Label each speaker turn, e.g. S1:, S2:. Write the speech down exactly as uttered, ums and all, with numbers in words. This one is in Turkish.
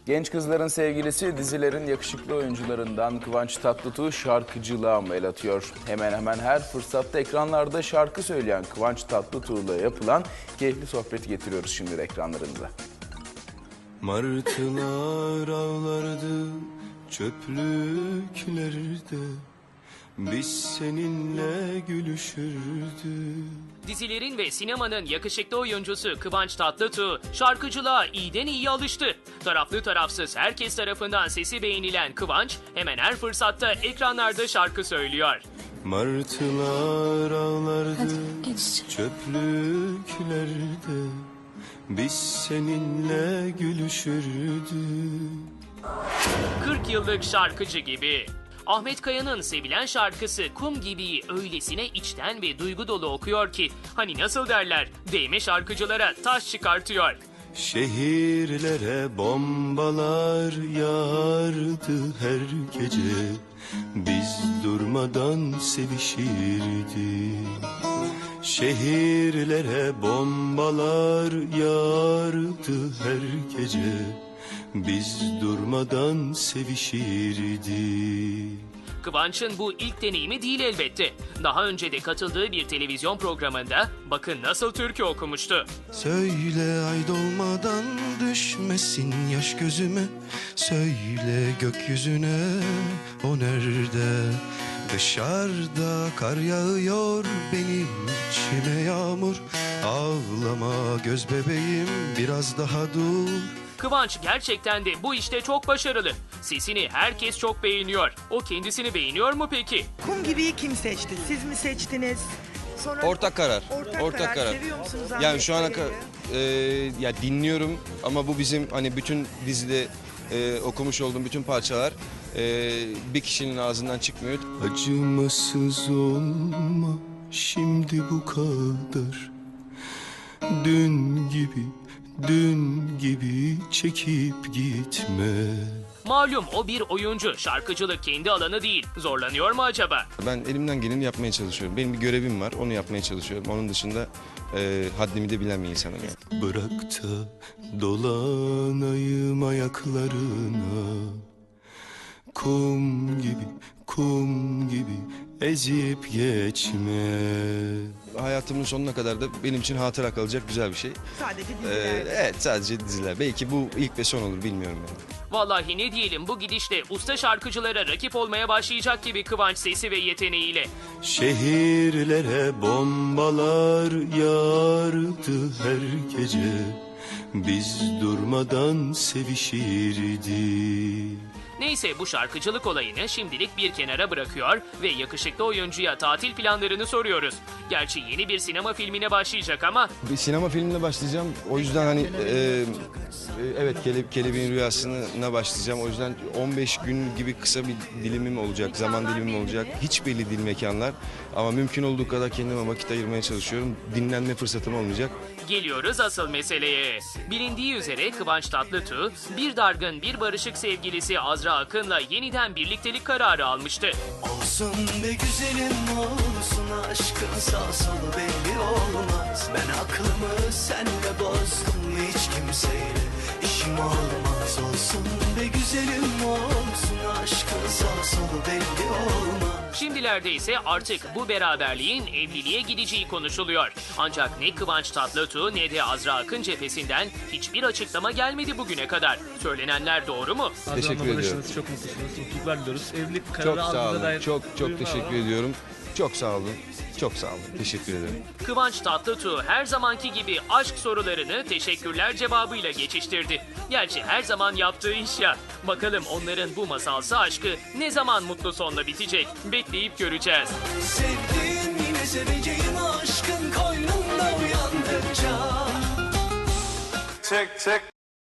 S1: Genç kızların sevgilisi dizilerin yakışıklı oyuncularından Kıvanç Tatlıtuğ şarkıcılığa mı el atıyor? Hemen hemen her fırsatta ekranlarda şarkı söyleyen Kıvanç Tatlıtuğ'la yapılan keyifli sohbeti getiriyoruz şimdi ekranlarınıza.
S2: Martılar ağlardı çöplüklerde, biz seninle gülüşürdük.
S3: Dizilerin ve sinemanın yakışıklı oyuncusu Kıvanç Tatlıtuğ şarkıcılığa iyiden iyi alıştı. Taraflı tarafsız herkes tarafından sesi beğenilen Kıvanç hemen her fırsatta ekranlarda şarkı söylüyor.
S2: Martılar ağlardı
S4: Hadi,
S2: çöplüklerde, biz seninle gülüşürdük.
S3: kırk yıllık şarkıcı gibi. Ahmet Kaya'nın sevilen şarkısı Kum Gibi'yi öylesine içten ve duygu dolu okuyor ki hani nasıl derler, değme şarkıcılara taş çıkartıyor.
S2: Şehirlere bombalar yağardı her gece, biz durmadan sevişirdik. Şehirlere bombalar yağardı her gece, biz durmadan sevişirdik.
S3: Kıvanç'ın bu ilk deneyimi değil elbette. Daha önce de katıldığı bir televizyon programında bakın nasıl türkü okumuştu.
S2: Söyle ay dolmadan düşmesin yaş gözüme, söyle gökyüzüne o nerede? Dışarıda kar yağıyor, benim içime yağmur. Ağlama göz bebeğim, biraz daha dur.
S3: Kıvanç gerçekten de bu işte çok başarılı. Sesini herkes çok beğeniyor. O kendisini beğeniyor mu peki?
S5: Kum Gibi'yi kim seçti? Siz mi seçtiniz? Sonra
S6: Ortak karar.
S5: Ortak, karar. Seviyor musunuz Ahmet
S6: Yani şu ana
S5: Kaya'yı?
S6: kadar e, ya dinliyorum ama bu bizim hani bütün dizide e, okumuş olduğum bütün parçalar e, bir kişinin ağzından çıkmıyor.
S2: Acımasız olma şimdi bu kadar. Dün gibi, dün gibi çekip gitme.
S3: Malum o bir oyuncu. Şarkıcılık kendi alanı değil. Zorlanıyor mu acaba?
S6: Ben elimden geleni yapmaya çalışıyorum. Benim bir görevim var, onu yapmaya çalışıyorum. Onun dışında e, haddimi de bilen bir insanım yani.
S2: Bırak da dolanayım ayaklarına, kum gibi, kum gibi ezip geçme.
S6: Hayatımın sonuna kadar da benim için hatıra kalacak güzel bir şey.
S5: Sadece
S6: E,
S5: diziler.
S6: evet, sadece diziler. Belki bu ilk ve son olur, bilmiyorum yani.
S3: Vallahi ne diyelim, bu gidişle usta şarkıcılara rakip olmaya başlayacak gibi Kıvanç sesi ve yeteneğiyle.
S2: Şehirlere bombalar yağardı her gece, biz durmadan sevişirdik.
S3: Neyse, bu şarkıcılık olayını şimdilik bir kenara bırakıyor ve yakışıklı oyuncuya tatil planlarını soruyoruz. Gerçi yeni bir sinema filmine başlayacak ama
S6: Bir sinema filmine başlayacağım. O yüzden hani e, e, evet kele, Kelebeğin Rüyası'na başlayacağım. O yüzden on beş gün gibi kısa bir dilimim olacak, zaman dilimim olacak. Hiç belli değil mekanlar. Ama mümkün olduğu kadar kendime vakit ayırmaya çalışıyorum. Dinlenme fırsatım olmayacak.
S3: geliyoruz asıl meseleye. Bilindiği üzere Kıvanç Tatlıtuğ bir dargın bir barışık sevgilisi Azra Akın'la yeniden birliktelik kararı almıştı.
S7: Olsun be güzelim olsun, aşkın sağ solu belli olmaz. Ben aklımı senle bozdum, hiç kimseyle işim olmaz. Olsun be güzelim olsun, aşkın sağ solu belli olmaz.
S3: Şimdilerde ise artık bu beraberliğin evliliğe gideceği konuşuluyor. Ancak ne Kıvanç Tatlıtuğ ne de Azra Akın cephesinden hiçbir açıklama gelmedi bugüne kadar. Söylenenler doğru mu?
S6: Teşekkür ediyorum.
S8: Çok mutlusunuz. Mutluluklar diliyoruz. Evlilik kararı
S6: Çok sağ
S8: aldığınıza
S6: olun.
S8: dair
S6: Çok çok
S8: duyum var
S6: teşekkür
S8: ama
S6: ediyorum. Çok sağ olun. Çok sağ olun. Teşekkür ederim.
S3: Kıvanç Tatlıtuğ her zamanki gibi aşk sorularını teşekkürler cevabıyla geçiştirdi. Gerçi her zaman yaptığı iş ya. Bakalım onların bu masalsı aşkı ne zaman mutlu sonla bitecek? Bekleyip göreceğiz.
S7: Sevdiğim yine seveceğim, aşkın koynunda uyandıkça.
S9: Çek çek.